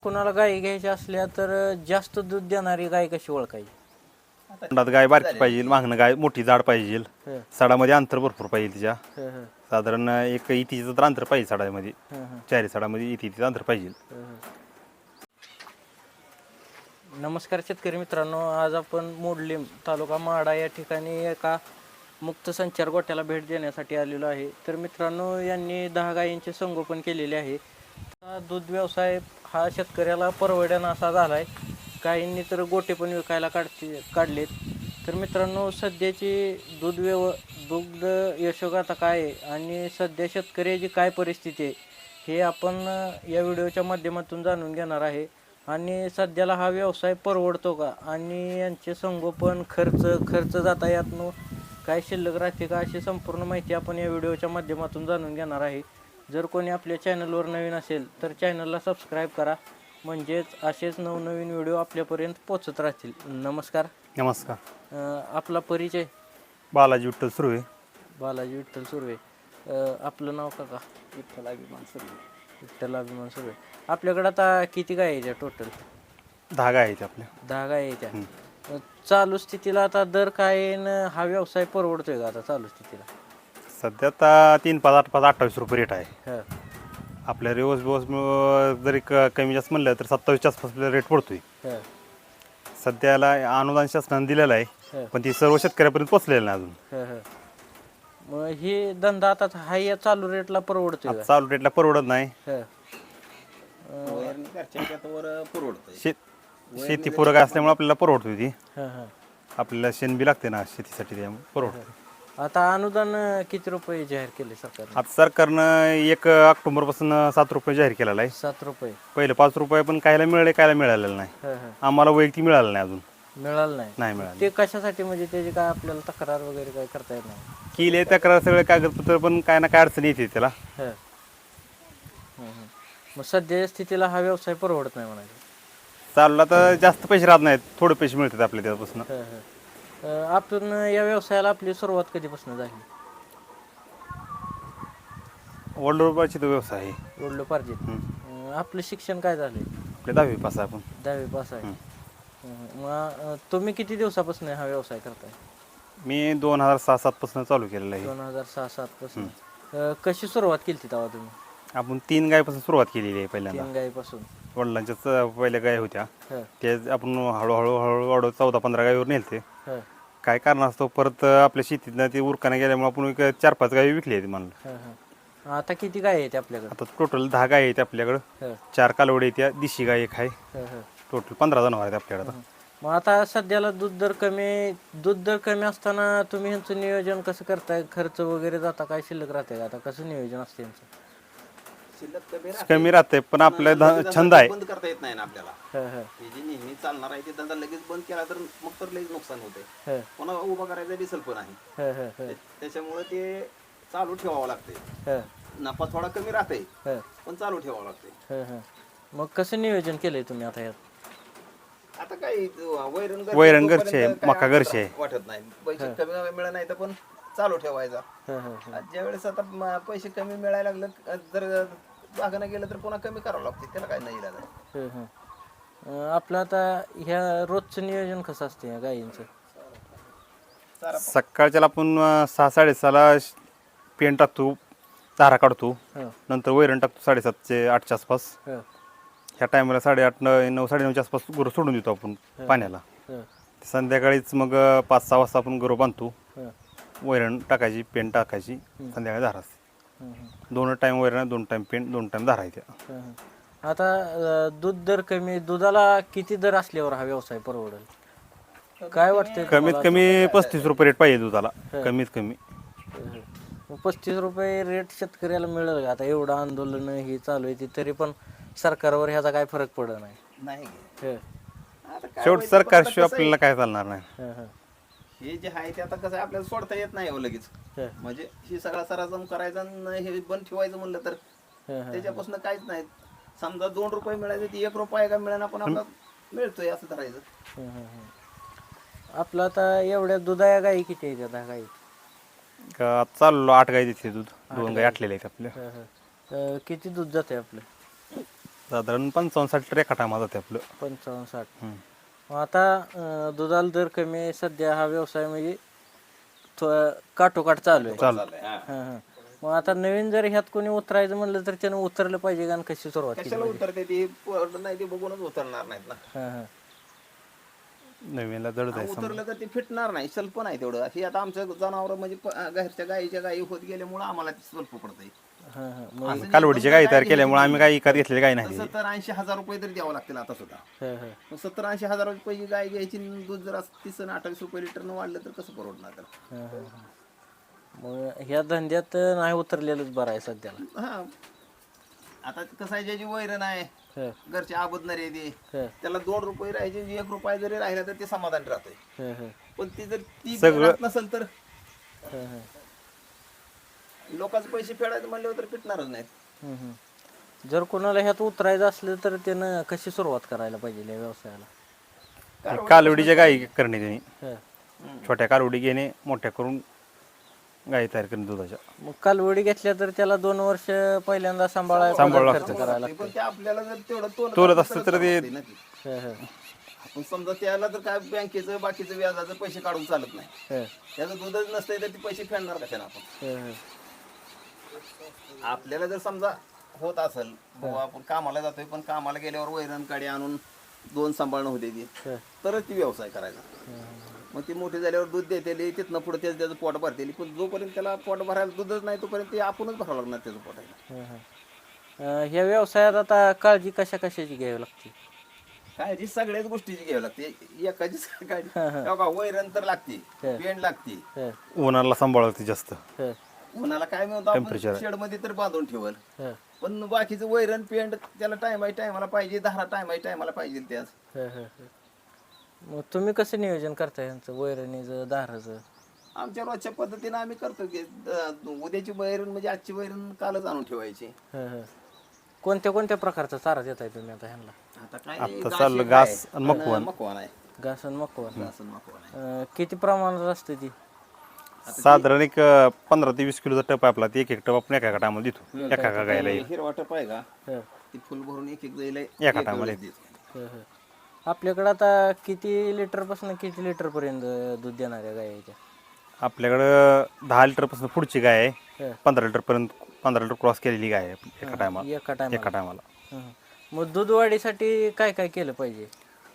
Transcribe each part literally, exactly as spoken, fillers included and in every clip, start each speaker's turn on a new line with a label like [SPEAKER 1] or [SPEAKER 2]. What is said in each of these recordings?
[SPEAKER 1] कोणाला गाय घ्यायच्या असल्या तर जास्त दूध देणारी गाय कशी ओळखायची?
[SPEAKER 2] तोंडात गाय बारकी पाहिजे, मागणं गाय मोठी जाड पाहिजे,
[SPEAKER 1] हं,
[SPEAKER 2] सडामध्ये अंतर भरपूर पाहिजे तिच्या.
[SPEAKER 1] हं, हं,
[SPEAKER 2] साधारण एक इतीचं तर अंतर पाहिजे सडामध्ये,
[SPEAKER 1] हं, हं,
[SPEAKER 2] चारी सडामध्ये इतीचं अंतर पाहिजे.
[SPEAKER 1] हं, हं. नमस्कार शेतकरी मित्रांनो, आज आपण मोडलीम तालुका माडा या ठिकाणी एका मुक्त संचार गोट्याला भेट देण्यासाठी आलेलो आहे. तर मित्रांनो, यांनी दहा गायींचे संगोपन केलेले आहे. हा दूध व्यवसाय हा शेतकऱ्याला परवडणा असा झाला आहे. काहींनी तर गोटे पण विकायला काढते काढलेत. तर मित्रांनो, सध्याची दूध व्यव दुग्ध यशोगाथा काय आहे आणि सध्या शेतकऱ्याची काय परिस्थिती आहे हे आपण या व्हिडिओच्या माध्यमातून जाणून घेणार आहे. आणि सध्याला हा व्यवसाय परवडतो का आणि यांचे संगोपन खर्च खर्च जाता यातनं काय शिल्लक राहते का अशी संपूर्ण माहिती आपण या व्हिडिओच्या माध्यमातून जाणून घेणार आहे. जर कोणी आपल्या चॅनलवर नवीन असेल तर चॅनलला सबस्क्राईब करा, म्हणजेच असेच नवनवीन व्हिडिओ आपल्यापर्यंत पोचत राहतील. नमस्कार.
[SPEAKER 2] नमस्कार.
[SPEAKER 1] अं, आपला परिचय?
[SPEAKER 2] बालाजी विठ्ठल सुर्वे.
[SPEAKER 1] बालाजी विठ्ठल सुर्वे. अं, आपलं नाव काका?
[SPEAKER 3] विठ्ठल अभिमान सुर्वे.
[SPEAKER 1] विठ्ठल अभिमान सुर्वे. आपल्याकडे आता किती गाय आहे टोटल?
[SPEAKER 2] दहा गाय आहेत आपल्या.
[SPEAKER 1] दहा गाय आहे त्या. चालू स्थितीला आता दर काय आहे न हा व्यवसाय परवडतोय का आता चालू स्थितीला?
[SPEAKER 2] सध्या आता तीन पाच आठ पाच अठ्ठावीस रुपये रेट आहे
[SPEAKER 1] हं,
[SPEAKER 2] आपल्या रिवर्स बिवर्स जरी क कमी जास्त म्हणलं तर सत्तावीसच्या आसपास रेट पडतोय.
[SPEAKER 1] हं,
[SPEAKER 2] सध्याला अनुदान शासनाने दिलेलं आहे,
[SPEAKER 1] हं,
[SPEAKER 2] पण ती सर्व शेतकऱ्यापर्यंत पोचलेलं नाही अजून.
[SPEAKER 1] हं, हं. मग हे धंदा आता हा या चालू रेटला परवडतोय
[SPEAKER 2] आता
[SPEAKER 1] का?
[SPEAKER 2] चालू रेटला परवडत नाही.
[SPEAKER 1] हं,
[SPEAKER 3] वैरण घरच्या ह्याच्यावर परवडतंय.
[SPEAKER 2] शेत शेती पूरक असल्यामुळे आपल्याला परवडतोय ती.
[SPEAKER 1] हं, हं.
[SPEAKER 2] आपल्याला शेण बी लागते ना शेतीसाठी, त्यामुळे परवडतं.
[SPEAKER 1] आता अनुदान किती रुपये जाहीर केले सरकारने?
[SPEAKER 2] आता सरकारनं एक ऑक्टोबर पासून सात रुपये जाहीर केलेला आहे.
[SPEAKER 1] सात रुपये.
[SPEAKER 2] पहिले पाच रुपये पण कायला मिळाले कायला मिळालेलं नाही.
[SPEAKER 1] हं, हं.
[SPEAKER 2] आम्हाला वैयक्तिक मिळालं नाही अजून.
[SPEAKER 1] मिळालं नाही?
[SPEAKER 2] नाही मिळालं.
[SPEAKER 1] ते कशासाठी, म्हणजे त्याची काय आपल्याला तक्रार वगैरे काय करता येत नाही?
[SPEAKER 2] केले तक्रार सगळे कागदपत्र, पण काय ना काय अडचण येते त्याला.
[SPEAKER 1] हं. हं, हं. मग सध्याच्या स्थितीला हा व्यवसाय परवडत नाही म्हणायचं?
[SPEAKER 2] चालला तर जास्त पैसे राहत नाहीत, थोडे पैसे मिळतात आपल्या त्यापासून.
[SPEAKER 1] हं, हं. अं, आपण या व्यवसायाला आपली सुरुवात कधीपासून झाली?
[SPEAKER 2] वडलोबाची तो व्यवसाय आहे.
[SPEAKER 1] वडलो पार्जित.
[SPEAKER 2] हं.
[SPEAKER 1] अं, आपलं शिक्षण काय झालंय?
[SPEAKER 2] आपल्या दहावी पास आहे आपण.
[SPEAKER 1] दहावी पास आहे.
[SPEAKER 2] हं.
[SPEAKER 1] हं. मग अं, तुम्ही किती दिवसापासून हा व्यवसाय करताय?
[SPEAKER 2] मी दोन हजार सहा सात पासून चालू केलेला आहे.
[SPEAKER 1] दोन हजार सहा सात पासून. अं, कशी सुरुवात केली तेव्हा तुम्ही?
[SPEAKER 2] आपण तीन गायपासून सुरुवात केलेली आहे पहिल्यांदा.
[SPEAKER 1] तीन गायीपासून?
[SPEAKER 2] वडिलांच्याच पहिल्या गाय होत्या,
[SPEAKER 1] हं,
[SPEAKER 2] ते आपण हळूहळू हळूहळू वाढवत चौदा पंधरा गायीवर नेलते.
[SPEAKER 1] हं,
[SPEAKER 2] काय कारण असतो, परत आपल्या शेतीतनं ते उरकाने गेल्यामुळे आपण एक चार पाच गायी विकली आहेत म्हणलं.
[SPEAKER 1] हं, हं. आता किती गाय आहेत आपल्याकडे?
[SPEAKER 2] आता टोटल दहा गाय आहेत आपल्याकडं.
[SPEAKER 1] हं,
[SPEAKER 2] चार कालवडी आहेत, त्या दिशी गाय एक आहे.
[SPEAKER 1] हं, हं.
[SPEAKER 2] टोटल पंधरा जनावर आहेत आपल्याकडे आता.
[SPEAKER 1] मग आता सध्याला दूध दर कमी दूध दर कमी असताना तुम्ही ह्यांचं नियोजन कसं करताय? खर्च वगैरे जाता काय शिल्लक राहते का? आता कसं नियोजन असते यांचं?
[SPEAKER 3] शिल्लक कमी राहते.
[SPEAKER 2] कमी राहते, पण आपला ध-
[SPEAKER 3] लगेच
[SPEAKER 2] छंद आहे.
[SPEAKER 3] बंद करता येत नाही ना आपल्याला.
[SPEAKER 1] हं, हं,
[SPEAKER 3] हे जे नेहमी चालणार आहे ते धंदा लगेच बंद केला तर मग तर लगेच नुकसान होते.
[SPEAKER 1] हं,
[SPEAKER 3] पुन्हा उभा करायचा दिसल पण आहे.
[SPEAKER 1] हं, हं, हं,
[SPEAKER 3] ते- त्याच्यामुळे ते चालू ठेवावं लागते.
[SPEAKER 1] हं,
[SPEAKER 3] नफा थोडा कमी राहते
[SPEAKER 1] हं,
[SPEAKER 3] पण चालू ठेवावं लागते.
[SPEAKER 1] हं, हं. मग कसं नियोजन केलंय तुम्ही आता यात?
[SPEAKER 3] आता काय वैरण घरची
[SPEAKER 2] वैरण
[SPEAKER 3] जोपर्यंत
[SPEAKER 2] घरची आहे,
[SPEAKER 3] काय
[SPEAKER 2] मका
[SPEAKER 3] अडचण
[SPEAKER 2] घरची आहे.
[SPEAKER 3] वाटत नाही. पैसे कमी मिळत नाही तर पण चालू ठेवायचा.
[SPEAKER 1] हं, हं, हं.
[SPEAKER 3] आज ज्यावेळेस आता म- पैसे कमी मिळायला लागलं, जर बागानं गेलं तर पुन्हा कमी करावं लागते. त्याला काय नाही इलाज आहे.
[SPEAKER 1] हं, हं. अं, आपलं आता ह्या रोजचं नियोजन कसं असतं या गायींचं?
[SPEAKER 3] चारा
[SPEAKER 2] सकाळच्याला आपण अं, सहा साडेसहाला श- पेंट टाकतो, चारा काढतो,
[SPEAKER 1] हं,
[SPEAKER 2] नंतर वैरण टाकतो साडेसातचे आठच्या आसपास.
[SPEAKER 1] हं,
[SPEAKER 2] ह्या टायमाला साडेआठ न नऊ साडेनऊच्या आसपास गुरं सोडून देतो आपण पाण्याला.
[SPEAKER 1] हं,
[SPEAKER 2] संध्याकाळीच मग अं, पाच सहा वाजता आपण गुरं बांधतो,
[SPEAKER 1] हं,
[SPEAKER 2] वैरण टाकायची, पेंट टाकायची, संध्याकाळी धारा असते.
[SPEAKER 1] हं, हं.
[SPEAKER 2] दोन टाईम वैरण, दोन टाईम पेंट, दोन टाईम धारा येते.
[SPEAKER 1] हं, हं. आता अं, दूध दर कमी, दुधाला किती दर असल्यावर हा व्यवसाय परवडेल काय वाटतंय
[SPEAKER 2] कमीत
[SPEAKER 1] तुम्हाला?
[SPEAKER 2] कमी पस्तीस रुपये रेट पाहिजे दुधाला, कमीत कमी.
[SPEAKER 1] हं, हं. मग पस्तीस रुपये रेट शेतकऱ्याला मिळेल का? आता एवढं आंदोलन ही चालू आहे ती तरी पण सरकारवर ह्याचा काय फरक पडत नाही?
[SPEAKER 3] नाही.
[SPEAKER 1] हं,
[SPEAKER 3] आता काय
[SPEAKER 2] शेवट
[SPEAKER 3] व्हायचं,
[SPEAKER 2] सरकार
[SPEAKER 3] पण
[SPEAKER 2] शिवाय
[SPEAKER 3] आता कसं आहे,
[SPEAKER 2] आपल्याला काय चालणार नाही.
[SPEAKER 1] हं, हं,
[SPEAKER 3] हे जे आहे ते आता कसं आहे, आपल्याला सोडता येत नाही हो लगेच.
[SPEAKER 1] हं,
[SPEAKER 3] म्हणजे ही सगळा सरासम करायचा आणि हे बंद ठेवायचं म्हणलं तर
[SPEAKER 1] हं, हं.
[SPEAKER 3] त्याच्यापासून काहीच नाही. समजा दोन रुपये मिळायचे ती एक रुपया का मिळाला पण आपला मिळतोय असं धरायचं.
[SPEAKER 1] हं, हं, हं. आपलं आता एवढ्या दुधाया गाई किती आहेत आता गाई?
[SPEAKER 2] का चाललो आठ गाय देते दूध, दोन गाय आटलेले आहेत आपल्या.
[SPEAKER 1] हं, हं. अं, किती दूध जाते आपलं?
[SPEAKER 2] साधारण पंचावन्न साठ लिटर एका टायमा जाते आपलं.
[SPEAKER 1] पंचावन्न साठ.
[SPEAKER 2] हम्म.
[SPEAKER 1] मग आता अं, दुधाला दर कमी आहे सध्या, हा व्यवसाय म्हणजे थो- काठोकाठ चालू आहे.
[SPEAKER 3] चाललंय, हा.
[SPEAKER 1] हां हां. मग आता नवीन जर ह्यात कोणी उतरायचं म्हणलं तर त्यानं उतरलं पाहिजे का आणि कशी सुरुवात केली
[SPEAKER 3] कशाला
[SPEAKER 1] पाहिजे?
[SPEAKER 3] उतरते ती पोरं नाही ते बघूनच उतरणार नाहीत ना.
[SPEAKER 1] हां हां.
[SPEAKER 2] नवीनला जड
[SPEAKER 3] हा,
[SPEAKER 2] जायचं.
[SPEAKER 3] उतरलं तर ते फिटणार नाही, स्वल्प नाही तेवढं. अशी आता आमचं जनावर म्हणजे प- घरच्या गाईच्या गायी होत गेल्यामुळे आम्हाला ते स्वल्प पडतंय.
[SPEAKER 1] हां हां. मग
[SPEAKER 2] आम्ही कालवडीची गाई तयार केल्यामुळे आम्ही काही विकत घेतलेली गाय नाही.
[SPEAKER 3] सत्तर ऐंशी हजार रुपये तरी द्यावं लागतील आता सुद्धा.
[SPEAKER 1] हां हां.
[SPEAKER 3] मग सत्तर ऐंशी हजार रुपये गाय घ्यायची आणि दूध जर असं तीस आणि अठ्ठावीस रुपये लिटरनं वाढलं तर कसं परवडणार त्याला?
[SPEAKER 1] हां हां हां. मग ह्या धंद्यात नाही उतरलेलंच बरं आहे सध्याला.
[SPEAKER 3] हा, आता कसं आहे, ज्याची वैरण आहे,
[SPEAKER 1] हां
[SPEAKER 3] घरचे आबदणारे ते,
[SPEAKER 1] हां
[SPEAKER 3] त्याला दोन रुपये राहायचे, एक रुपया जरी राहिला तर ते समाधान राहतंय.
[SPEAKER 1] हां हां
[SPEAKER 3] पण ती जर ती
[SPEAKER 2] सगळं-
[SPEAKER 3] राहत नसेल तर
[SPEAKER 1] हां हां.
[SPEAKER 3] लोकांचे पैसे फेडायचे म्हणल्यावर तर पिटणारच नाहीत.
[SPEAKER 1] हम्म, हम्म. जर कोणाला ह्यात उतरायचं असलं तर त्यानं कशी सुरुवात करायला पाहिजे या व्यवसायाला?
[SPEAKER 2] कालवडीच्या गाई करणे त्यांनी,
[SPEAKER 1] हां.
[SPEAKER 2] छोट्या कालवडी घेणे, मोठ्या करून गाई तयार करणे दुधाच्या.
[SPEAKER 1] मग कालवडी घेतल्या तर त्याला दोन वर्ष पहिल्यांदा सांभाळायला
[SPEAKER 2] सांभाळावं
[SPEAKER 1] खर्च करायला
[SPEAKER 3] पण ते आपल्याला जर तेवढं तोलत
[SPEAKER 2] तोलत
[SPEAKER 3] असलं
[SPEAKER 2] असतं तर ते-
[SPEAKER 3] चालतंय ना ते.
[SPEAKER 1] हां हां
[SPEAKER 3] आपण समजा त्याला तर काय बँकेचं बाकीचं व्याजाचं पैसे काढून चालत नाही.
[SPEAKER 1] हां
[SPEAKER 3] त्याचं दूधच नसतंय तर ते पैसे फेडणार कशाला आपण?
[SPEAKER 1] हां हां.
[SPEAKER 3] आपल्याला जर समजा होत असेल, बाबा आपण कामाला जातोय पण कामाला गेल्यावर वैरण काडी आणून दोन सांभाळणं होते ती,
[SPEAKER 1] हां.
[SPEAKER 3] तरच ती व्यवसाय करायचा. मग ती मोठी झाल्यावर दूध देतेली, तिथनं पुढे त्याचं त्याचं पोट भरतेली. पण जोपर्यंत त्याला पोट भरायला दूधच नाही तोपर्यंत ते आपणच भरावं लागणार त्याचं पोटायला.
[SPEAKER 1] हां, हां. अं, ह्या व्यवसायात आता काळजी कशा कशाची घ्यावी लागते?
[SPEAKER 3] काळजी सगळ्याच गोष्टीची घ्यावी लागते, एकाचीच काळजी.
[SPEAKER 1] हा, हा.
[SPEAKER 3] तेव्हा का वैरण तर लागते,
[SPEAKER 1] हा.
[SPEAKER 3] पेंड लागते.
[SPEAKER 1] हां
[SPEAKER 2] उन्हाला सांभाळते जास्त.
[SPEAKER 1] हां
[SPEAKER 3] उन्हाला काय मिळतं आपण
[SPEAKER 2] Temperature.
[SPEAKER 3] शेडमध्ये तर बांधून ठेवल,
[SPEAKER 1] हां
[SPEAKER 3] पण बाकीचं वैरण पेंड त्याला टायमा टायमाला पाहिजे, दहा टायमा टायमाला पाहिजे त्याच.
[SPEAKER 1] हां हां हां. मग तुम्ही कसं नियोजन करता यांचं वैरणीचं दाराचं?
[SPEAKER 3] आमच्या रोजच्या पद्धतीने आम्ही करतो की द- उद्याची वैरण म्हणजे आजची वैरण कालच आणून ठेवायची.
[SPEAKER 1] हां हां. कोणत्या कोणत्या प्रकारचा चारा देताय तुम्ही आता ह्यांना?
[SPEAKER 3] आता काय
[SPEAKER 2] आता
[SPEAKER 3] घास
[SPEAKER 2] चाललं
[SPEAKER 3] एक
[SPEAKER 2] घास
[SPEAKER 3] आहे,
[SPEAKER 2] आणि मकवान.
[SPEAKER 3] मकवान आहे,
[SPEAKER 1] घास आणि मकवान.
[SPEAKER 3] घास आणि मकवान आहे.
[SPEAKER 1] अं, किती प्रमाणात असते ती?
[SPEAKER 2] साधारण एक अं, पंधरा ते वीस किलोचा टप आहे आपला. ते एक एक टप आपण एका एका टायमाला देतो, एका एका गायला येईल.
[SPEAKER 3] हिरवा टप आहे का,
[SPEAKER 1] हां
[SPEAKER 3] ती फुल भरून एक एक जाईल
[SPEAKER 2] एका टायमाला येते.
[SPEAKER 1] हां हां. आपल्याकडं आता किती लिटरपासून किती लिटरपर्यंत दूध देणाऱ्या गाय आहेत त्या?
[SPEAKER 2] आपल्याकडं दहा लिटरपासून पुढची गाय आहे,
[SPEAKER 1] हां.
[SPEAKER 2] पंधरा लिटरपर्यंत पंधरा लिटर क्रॉस केलेली गाय आहे आपली एका टायमाला.
[SPEAKER 1] एका टायमाला?
[SPEAKER 2] एका टायमाला
[SPEAKER 1] हां. मग दूध वाढीसाठी काय काय केलं पाहिजे?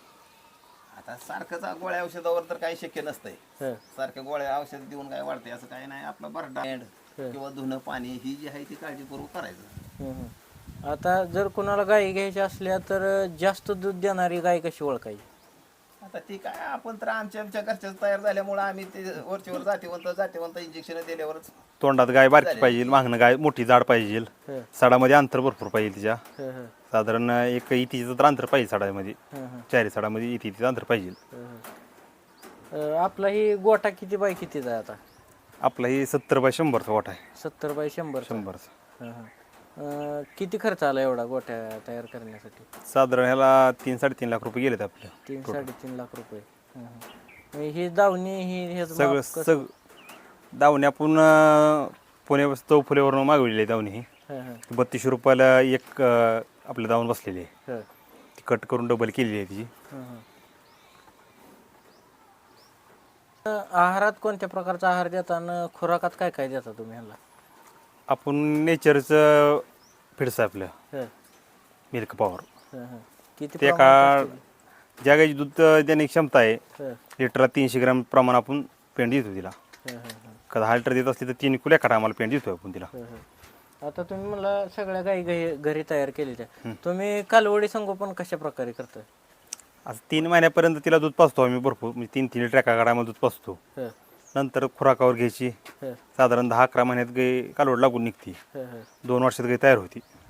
[SPEAKER 3] आता सारखंच गोळ्या औषधावर तर काही शक्य नसतंय.
[SPEAKER 1] हां
[SPEAKER 3] सारख्या गोळ्या औषध देऊन काय वाढते असं काही नाही. आपलं बरडा किंवा धुणं पाणी ही जी आहे ती काळजीपूर्वक करायचं.
[SPEAKER 1] हं, हं. आता जर कोणाला गाई घ्यायच्या असल्या तर जास्त दूध देणारी गाय कशी ओळखायची?
[SPEAKER 3] आता ती काय आपण तर आमच्या आमच्या घरच्याच तयार झाल्यामुळे आम्ही ते वरचीवर जातीवंत जातीवंत इंजेक्शन दिल्यावरच.
[SPEAKER 2] तोंडात गाय बारकी पाहिजे, मागणं गाय मोठी जाड पाहिजे,
[SPEAKER 1] हं,
[SPEAKER 2] सडामध्ये अंतर भरपूर पाहिजे तिच्या.
[SPEAKER 1] हं, हं,
[SPEAKER 2] साधारण एक इतीचं तर अंतर पाहिजे सडामध्ये,
[SPEAKER 1] हं, हं,
[SPEAKER 2] चारी सडामध्ये इतीचं अंतर पाहिजे.
[SPEAKER 1] हं, हं. अं, आपला ही गोठा किती बाय कितीचा आहे आता?
[SPEAKER 2] आपला ही सत्तर बाय शंभरचा गोठा आहे.
[SPEAKER 1] सत्तर बाय शंभर.
[SPEAKER 2] शंभरचा
[SPEAKER 1] हं, हं. अं, किती खर्च आला एवढा गोठ्या तयार करण्यासाठी?
[SPEAKER 2] साधारण ह्याला तीन साडेतीन लाख रुपये गेलेत आपले.
[SPEAKER 1] तीन साडेतीन लाख रुपये. हं, हं. मग ही दावणी ही ह्याचं
[SPEAKER 2] सगळं
[SPEAKER 1] माप कसं?
[SPEAKER 2] सग दावणी आपण अं, पुणे चौफुल्यावरून मागवलेली आहे दावणी ही.
[SPEAKER 1] हं, हं,
[SPEAKER 2] बत्तीसशे रुपयाला एक अं, आपल्या दावून बसलेली आहे.
[SPEAKER 1] हं,
[SPEAKER 2] ती कट करून डबल केलेली आहे तिची.
[SPEAKER 1] हं, हं. अं, आहारात कोणत्या प्रकारचा आहार देताना खुराकात काय काय देता तुम्ही ह्यांना?
[SPEAKER 2] आपण नेचरचं फिडस आहे आपलं,
[SPEAKER 1] हं,
[SPEAKER 2] मिल्क पॉवर.
[SPEAKER 1] हं, हं. किती
[SPEAKER 2] ते
[SPEAKER 1] प्रमाणात
[SPEAKER 2] का
[SPEAKER 1] असते ती?
[SPEAKER 2] ज्या गायची दूध देण्याची क्षमता आहे,
[SPEAKER 1] हं,
[SPEAKER 2] लिटरला तीनशे ग्रॅम प्रमाण आपण पेंड देतो तिला.
[SPEAKER 1] हं, हं, हं,
[SPEAKER 2] का दहा लिटर देत असली तर तीन किलो एका टायमाला पेंड देतो आपण तिला.
[SPEAKER 1] हं, हं. आता तुम्ही मला सगळ्या गाई घरी घरी तयार केलेल्या, तुम्ही कालवडी संगोपन कशा प्रकारे करताय?
[SPEAKER 2] असं तीन महिन्यापर्यंत तिला दूध पाचतो आम्ही भरपूर, म्हणजे तीन तीन लिटर एका टायमाला दूध पाचतो.
[SPEAKER 1] हं,
[SPEAKER 2] नंतर खुराकावर घ्यायची,
[SPEAKER 1] हं,
[SPEAKER 2] साधारण दहा अकरा महिन्यात गाय कालवड लागून निघते,
[SPEAKER 1] हं, हं,
[SPEAKER 2] दोन वर्षात गाय तयार होती.